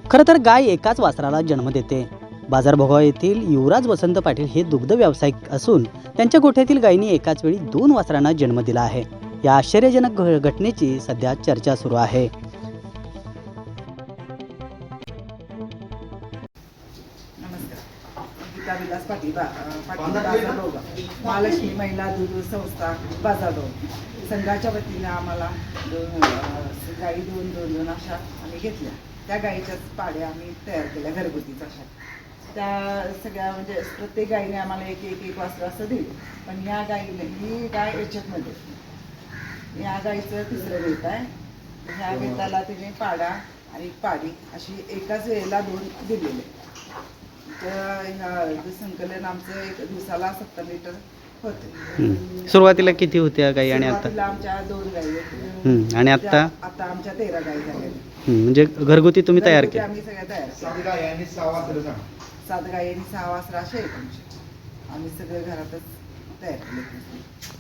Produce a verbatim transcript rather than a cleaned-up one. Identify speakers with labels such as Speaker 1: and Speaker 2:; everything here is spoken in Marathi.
Speaker 1: खरं तर गाय एकाच वासराला जन्म देते. बाजारभोगाव येथील युवराज वसंत पाटील हे दुग्ध व्यावसायिक असून त्यांच्या गोठ्यातील गायींनी एकाच वेळी दोन वासरांना जन्म दिला आहे. या आश्चर्यजनक घटनेची सध्या चर्चा सुरू आहे.
Speaker 2: गीता विलास पाटील पाटील बाजारभोगाव, महालक्ष्मी महिला दूध संस्था बाजारभोगाव संघाच्या वतीने आम्हाला दोन गाई दोन दोन दोन अशा आम्ही घेतल्या. त्या गाईच्याच पाड्या आम्ही तयार केल्या घरगुतीच अशा. त्या सगळ्या म्हणजे प्रत्येक गाईने आम्हाला एक एक एक वासरं असं दिलं. पण ह्या गाईने ही गाय याच्यातमध्ये या गाईचं तिसरं वेत आहे. ह्या वेताला तिने पाडा आणि पाडी अशी एकाच वेळेला दोन दिलेले. तर ह्या संकलन आमचं एक दिवसाला सत्तर लिटर होते.
Speaker 1: सुरुवातीला किती होत्या गायी आणि आता?
Speaker 2: सुरुवातीला आमच्या दोन गायी होत्या
Speaker 1: आणि आता
Speaker 2: आता आमच्या तेरा गायी झाल्या.
Speaker 1: म्हणजे घरगुती तुम्ही तयार केल्या?
Speaker 2: आम्ही सगळ्या तयार
Speaker 3: सात गायी आणि सहा वासरं सांग.
Speaker 2: सात गायी आणि सहा वासरं असे आहेत आमचे. आम्ही सगळे घरातच तयार केले.